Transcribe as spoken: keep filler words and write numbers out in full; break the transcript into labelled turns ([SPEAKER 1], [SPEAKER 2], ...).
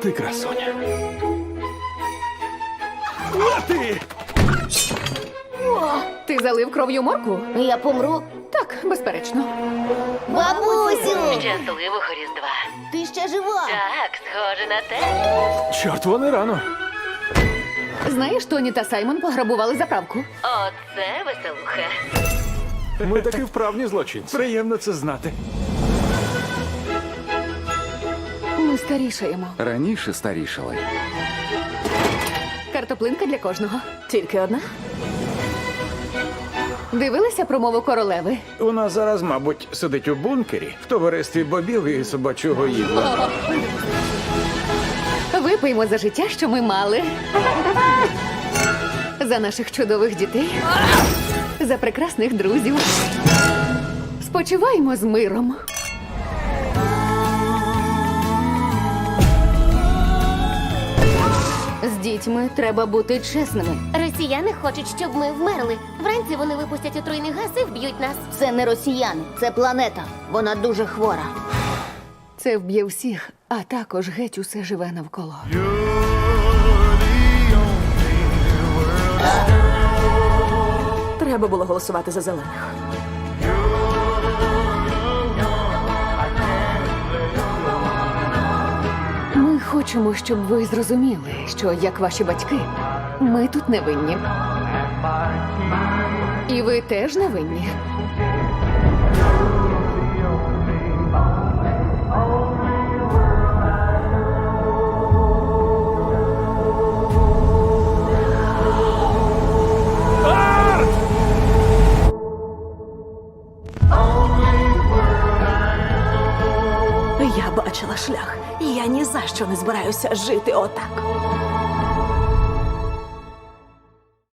[SPEAKER 1] ти красуня. Лети!
[SPEAKER 2] Ти залив кров'ю моркву?
[SPEAKER 3] Я помру.
[SPEAKER 2] Так, безперечно.
[SPEAKER 3] Бабусю!
[SPEAKER 4] Щасливого Різдва.
[SPEAKER 3] Ти ще жива?
[SPEAKER 4] Так, схоже на те.
[SPEAKER 1] Чорт, вони рано.
[SPEAKER 2] Знаєш, Тоні та Саймон пограбували заправку.
[SPEAKER 4] Оце веселуха.
[SPEAKER 1] Ми таки вправні злочинці. Приємно це знати.
[SPEAKER 2] Ми старішаємо.
[SPEAKER 5] Раніше старішали.
[SPEAKER 2] Картоплинка для кожного. Тільки одна. Дивилися промову королеви?
[SPEAKER 6] Вона зараз, мабуть, сидить у бункері в товаристві бобів і собачого їдла.
[SPEAKER 2] Випиймо за життя, що ми мали. За наших чудових дітей. За прекрасних друзів. Спочиваємо з миром.
[SPEAKER 3] З дітьми треба бути чесними.
[SPEAKER 7] Росіяни хочуть, щоб ми вмерли. Вранці вони випустять отруйний газ і вб'ють нас.
[SPEAKER 3] Це не росіяни, це планета. Вона дуже хвора.
[SPEAKER 2] Це вб'є всіх, а також геть усе живе навколо.
[SPEAKER 8] Треба було голосувати за зелених.
[SPEAKER 2] Ми хочемо, щоб ви зрозуміли, що, як ваші батьки, ми тут не винні. І ви теж не винні.
[SPEAKER 8] Я бачила шлях, і я ні за що не збираюся жити отак.